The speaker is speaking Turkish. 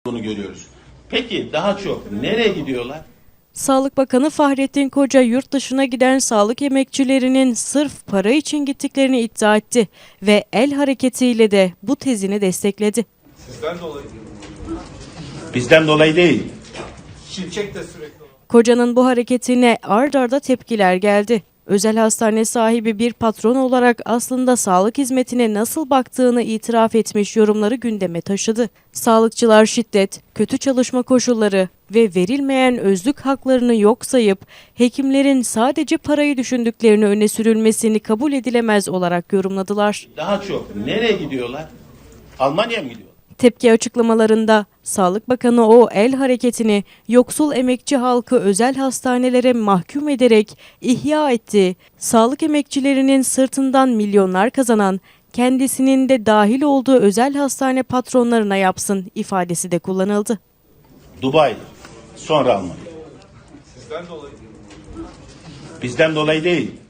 Bunu görüyoruz. Peki daha çok nereye gidiyorlar? Sağlık Bakanı Fahrettin Koca yurt dışına giden sağlık emekçilerinin sırf para için gittiklerini iddia etti ve el hareketiyle de bu tezini destekledi. Sizden dolayı. Bizden dolayı değil. Şirket de sürekli. Koca'nın bu hareketine ard arda tepkiler geldi. Özel hastane sahibi bir patron olarak aslında sağlık hizmetine nasıl baktığını itiraf etmiş yorumları gündeme taşıdı. Sağlıkçılar şiddet, kötü çalışma koşulları ve verilmeyen özlük haklarını yok sayıp hekimlerin sadece parayı düşündüklerini öne sürülmesini kabul edilemez olarak yorumladılar. Daha çok nereye gidiyorlar? Almanya'ya mı gidiyorlar? Tepki açıklamalarında Sağlık Bakanı o el hareketini yoksul emekçi halkı özel hastanelere mahkum ederek ihya etti. Sağlık emekçilerinin sırtından milyonlar kazanan, kendisinin de dahil olduğu özel hastane patronlarına yapsın ifadesi de kullanıldı. Dubai, sonra Almanya. Sizden dolayı. Bizden dolayı değil.